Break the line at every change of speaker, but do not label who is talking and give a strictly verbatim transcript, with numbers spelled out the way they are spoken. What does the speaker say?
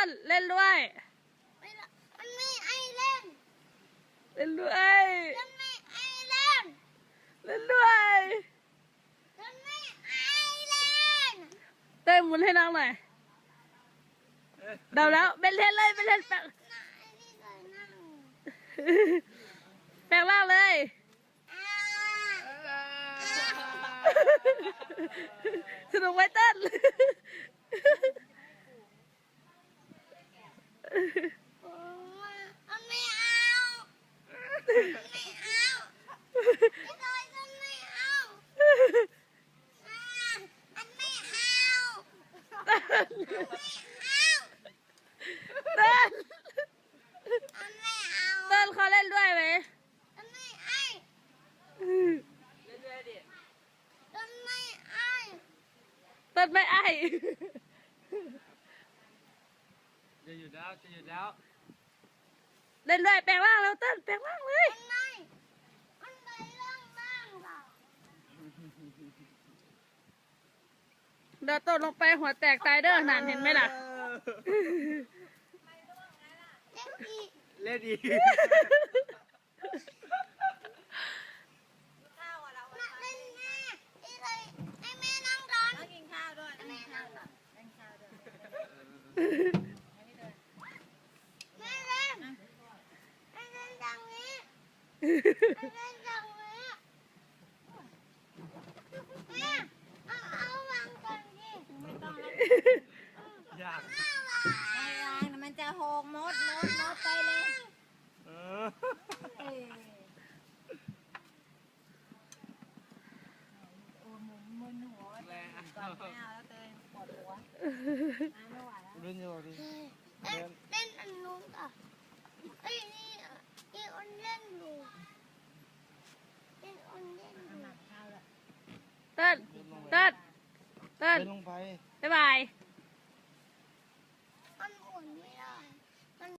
นเล่นด้วย
มันไม่ไอเล่น
เล่นด้วย
มันไม่ไอเล่น
เล่นด้วย
มันไม่ไอเล่น
เต้ยหมุนให้น้องหน่อยเดาแล้วเป็นเล่นเลยเป็นเล่นแปลงแปลงร่างเลยสนุกไหมเต้น
มันไม่เอาไม่เอาไม่ได้มันไม่เอามันไม่เอา
เต้น
มันไม่เอา
เต้น
มันไม่เอา
เต้นเขาเล่นด้วยไหม
มันไม่ไอ
เล่นด้วยดิ
มันไม่ไอ
เต้นไม่ไอ
จะหยุดแล้วจะหยุดแล้ว
เล่นด้วยแปลงร่างแล้วเต้นแปลงร่างเลย
มันไม่มันไปล่างล่างเปล่า
เดี๋ยวตกลงไปหัวแตกตายเด้อหนานเห็นไหมล่ะ
เล่นอีก
เล่นอีก
ข้าวเราเล่นแม่ที่เลยให้แม่นั่งก่อนกินข้าวด้วยแม่นั่งก่อนกินข้าวด้วยแม่เล่นแม่เล่นดังนี้แม่เล่นดังนี้แม่เอาเอาวางก่อนดิไม่ต้องแล้ว
ยาก
ไม่วางมันจะหกมดมดมดไปเลย
เออ
เออโอ้มึนมึนหัว
แรงอ่ะ
ก่อนไม่เอาแล้วเตยปวดหัวไม่ไหวแล้ว
เล่นอยู่ดิ
เล่นเล่นอันนู้นอ่ะไอ้นี่นี่อันเล่นอยู่เล่นอันเล่นอยู่
เต้นเต้นเต้น
เล่นลงไป
บ๊ายบาย
อันอุ่นไม่ได้